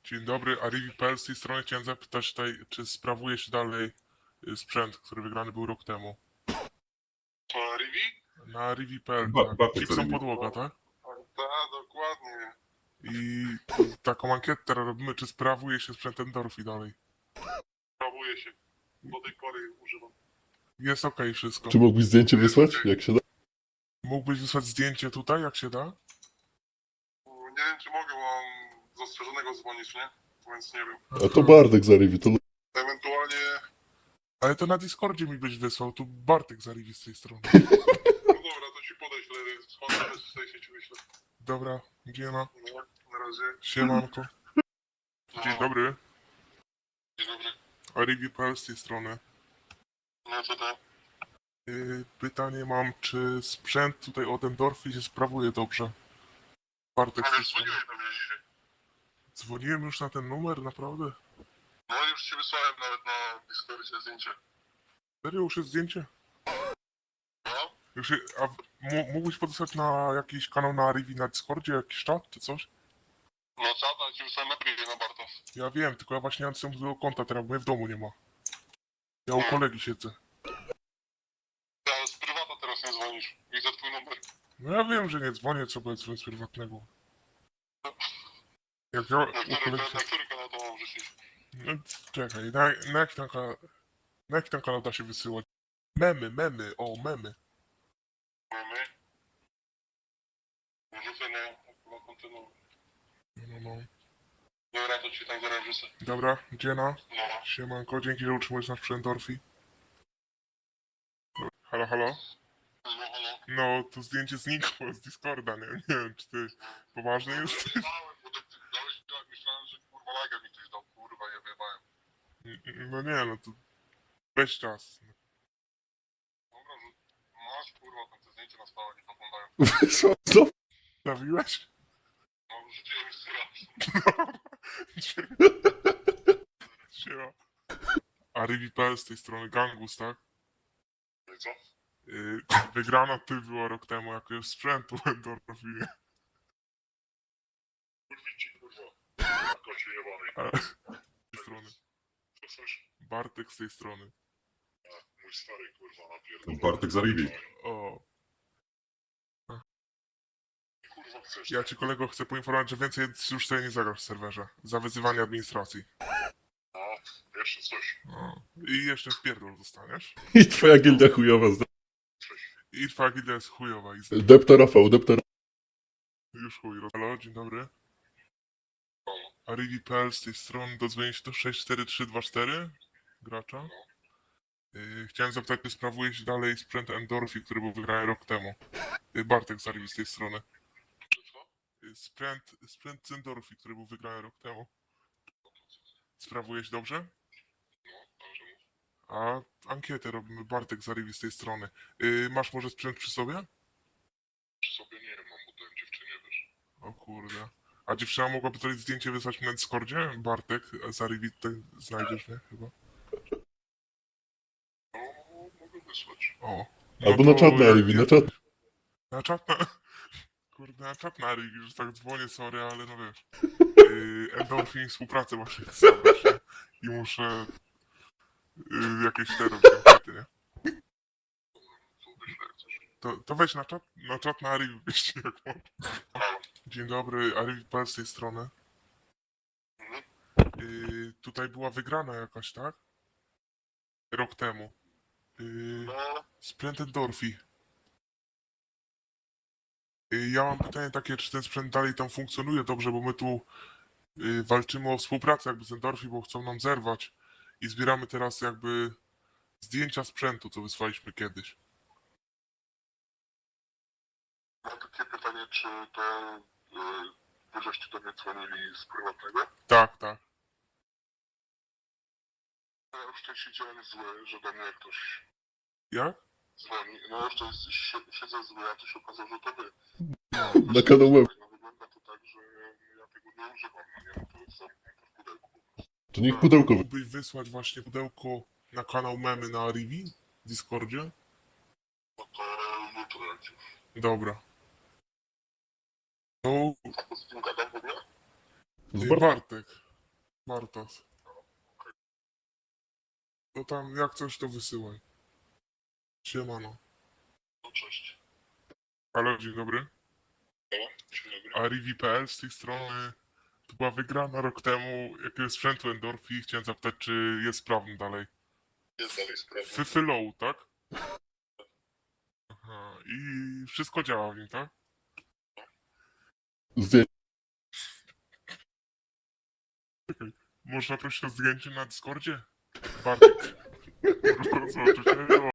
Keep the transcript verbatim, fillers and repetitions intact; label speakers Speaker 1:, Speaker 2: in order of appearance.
Speaker 1: Dzień dobry, Arivi.pl z tej strony chciałem zapytać tutaj, czy sprawuje się dalej y, sprzęt, który wygrany był rok temu.
Speaker 2: To Rivi?
Speaker 1: Na Arivi.pl,
Speaker 3: Ba-
Speaker 1: tak.
Speaker 3: Bartek
Speaker 1: Gibson
Speaker 3: Arivi.
Speaker 1: podłoga, tak?
Speaker 2: Tak, dokładnie.
Speaker 1: I tu taką ankietę teraz robimy, czy sprawuje się sprzęt Endorfi dalej.
Speaker 2: Sprawuję się. Do tej pory używam.
Speaker 1: Jest okej wszystko.
Speaker 3: Czy mógłbyś zdjęcie wysłać, jak się da?
Speaker 1: Mógłbyś wysłać zdjęcie tutaj, jak się da?
Speaker 2: Nie wiem, czy mogę, bo mam zastrzeżonego dzwonić, nie? Więc nie wiem.
Speaker 3: A to Bartek z Arivi, to
Speaker 2: Ewentualnie...
Speaker 1: Ale to na Discordzie mi byś wysłał, tu Bartek z Arivi z tej strony.
Speaker 2: No dobra, to ci podeślę. Dzwonię z tej sieci, wyślę.
Speaker 1: Dobra, giena,
Speaker 2: No, na razie.
Speaker 1: siemanko. Dzień dobry,
Speaker 2: Dzień dobry.
Speaker 1: Arivi.pl z tej strony.
Speaker 2: No co to?
Speaker 1: Y, Pytanie mam, czy sprzęt tutaj od Endorfi się sprawuje dobrze? Bartek z
Speaker 2: Ale
Speaker 1: tej strony.
Speaker 2: dzwoniłeś do mnie dzisiaj.
Speaker 1: Dzwoniłem już na ten numer, naprawdę?
Speaker 2: No już ci wysłałem nawet na Discordzie zdjęcie.
Speaker 1: Serio, już jest zdjęcie?
Speaker 2: No?
Speaker 1: Już je, a w- m- mógłbyś podesłać na jakiś kanał na Arivi na Discordzie, jakiś czat czy coś?
Speaker 2: No co, to ci wysłałem na privie na Bartos.
Speaker 1: Ja wiem, tylko ja właśnie nie mam tego konta teraz, bo mnie w domu nie ma. Ja u kolegi siedzę.
Speaker 2: Ja z prywata teraz nie dzwonisz. Widzę twój numer.
Speaker 1: No ja wiem, że nie dzwonię, co będzie dzwonić z prywatnego. Jak ja
Speaker 2: Na
Speaker 1: u
Speaker 2: który,
Speaker 1: kolegi
Speaker 2: na
Speaker 1: siedzę.
Speaker 2: który kanał to mam wrzucić?
Speaker 1: No, czekaj, na, na jaki tam kanał... Na jaki tam kanał da się wysyłać? Memy, memy, o, memy.
Speaker 2: Mamy. Wrzucę na, na kontynuum.
Speaker 1: No, no.
Speaker 2: Dobra, to ci tam zaraz wrzucę.
Speaker 1: Dobra, dziena.
Speaker 2: No.
Speaker 1: Siemanko, dzięki, że utrzymujesz nasz sprzęt Dorfi. Halo, halo?
Speaker 2: No, halo.
Speaker 1: No, to zdjęcie znikło z Discorda, nie, nie wiem, czy ty poważny jesteś?
Speaker 2: Dałem, bo ty dałeś, ja myślałem, że kurwa lagę mi ktoś dał, kurwa, ja wyjebałem.
Speaker 1: No nie, no to weź czas.
Speaker 2: Dobra, że masz kurwa, tam te zdjęcia na stałe nie poglądają.
Speaker 3: wysłał to.
Speaker 1: Stawiłeś?
Speaker 2: No, rzuciłem jeszcze raz.
Speaker 1: Siema. Arivi.pl z tej strony Gangus, tak?
Speaker 2: No i co?
Speaker 1: Yy, wygrana ty była rok temu jakiegoś sprzętu Endorfi.
Speaker 2: Kurwici, kurwa. Kocie jebany.
Speaker 1: Ale z tej strony.
Speaker 2: Co coś?
Speaker 1: Bartek z tej strony.
Speaker 2: Mój stary, kurwa, napierdolony.
Speaker 3: Bartek z Arivi.
Speaker 1: O,
Speaker 2: Kurwa, chcesz?
Speaker 1: ja ci kolego chcę poinformować, że więcej już sobie nie zagrasz w serwerze. Za wyzywanie administracji.
Speaker 2: No, jeszcze coś.
Speaker 1: O. I jeszcze w pierdol dostaniesz.
Speaker 3: I twoja gildia chujowa. zda-
Speaker 1: I twoja gildia jest chujowa i z...
Speaker 3: Depta Rafał, depta
Speaker 1: Już chuj. Halo, dzień dobry. Arivi.pl z tej strony, dodzwonię się do sześć cztery trzy dwa cztery gracza. Yy, chciałem zapytać, czy sprawuje się dalej sprzęt Endorfi, który był wygrany rok temu. Yy, Bartek z Arivi z tej strony.
Speaker 2: Czy co?
Speaker 1: Yy, sprzęt, sprzęt z Endorfi, który był wygrany rok temu. Sprawuje się dobrze?
Speaker 2: No, dobrze mów.
Speaker 1: A ankietę robimy, Bartek z Arivi z tej strony. Yy, masz może sprzęt przy sobie?
Speaker 2: Przy sobie nie mam, bo dałem dziewczynie, wiesz.
Speaker 1: O kurde. A dziewczyna mogłaby tutaj zdjęcie wysłać mi na Discordzie? Bartek z Arivi, tutaj znajdziesz mnie chyba.
Speaker 2: No, mogę wysłać.
Speaker 1: O.
Speaker 3: Albo na
Speaker 1: to
Speaker 3: czat na
Speaker 1: jak-
Speaker 3: Arivi, na
Speaker 1: jak-
Speaker 3: czat.
Speaker 1: Na czat na... Kurde, na czat na Arivi, że tak dzwonię, sorry, ale no wiesz. Yy, Endorfin współpracę właśnie chcę zabrać, nie? I muszę... Yy, jakieś te robić ankiety, nie?
Speaker 2: Co wyślę, jak coś.
Speaker 1: To, to weź na czat, na czat na Arivi, wiecie jak mam.
Speaker 2: Halo.
Speaker 1: Dzień dobry, Arivi.pl z tej strony.
Speaker 2: Mhm.
Speaker 1: Yy, tutaj była wygrana jakaś, tak? Rok temu. Yy,
Speaker 2: No,
Speaker 1: sprzęt Endorfi. Yy, ja mam pytanie takie, czy ten sprzęt dalej tam funkcjonuje dobrze, bo my tu yy, walczymy o współpracę jakby z Endorfi, bo chcą nam zerwać. I zbieramy teraz jakby zdjęcia sprzętu, co wysłaliśmy kiedyś.
Speaker 2: mam takie pytanie, czy te... Yy, wy żeście do mnie dzwonili z prywatnego?
Speaker 1: Tak, tak.
Speaker 2: Ja już tutaj siedziałem zły, że do mnie ktoś
Speaker 1: Jak?
Speaker 2: dzwoni. No już to jest, si- siedzę zły, a to się okazało, że to wy.
Speaker 3: Na kanał web.
Speaker 2: No wygląda to tak, że ja tego nie używam, no nie? No to jest zamknięte w pudełku.
Speaker 3: To niech pudełko wy-
Speaker 1: Mógłbyś wysłać właśnie pudełko na kanał Memy na Arivi w Discordzie?
Speaker 2: No to jutro jak już.
Speaker 1: Dobra. To
Speaker 2: A to z kim gadam w ogóle?
Speaker 3: z
Speaker 1: yy,
Speaker 3: Bar-
Speaker 1: Bartek. Bartas. No tam jak coś to wysyłaj. Siemano.
Speaker 2: No, cześć.
Speaker 1: Halo, dzień dobry.
Speaker 2: No, dzień dobry.
Speaker 1: A Rivi kropka p l z tej strony to była wygrana rok temu jakiegoś sprzętu Endorfi. Chciałem zapytać, czy jest sprawny dalej.
Speaker 2: Jest dalej sprawa.
Speaker 1: Fyfylow, tak? Aha, i wszystko działa w nim, tak?
Speaker 3: Zdjęcie.
Speaker 1: Można prosić o zdjęcie na Discordzie? Bartek. Zobaczycie.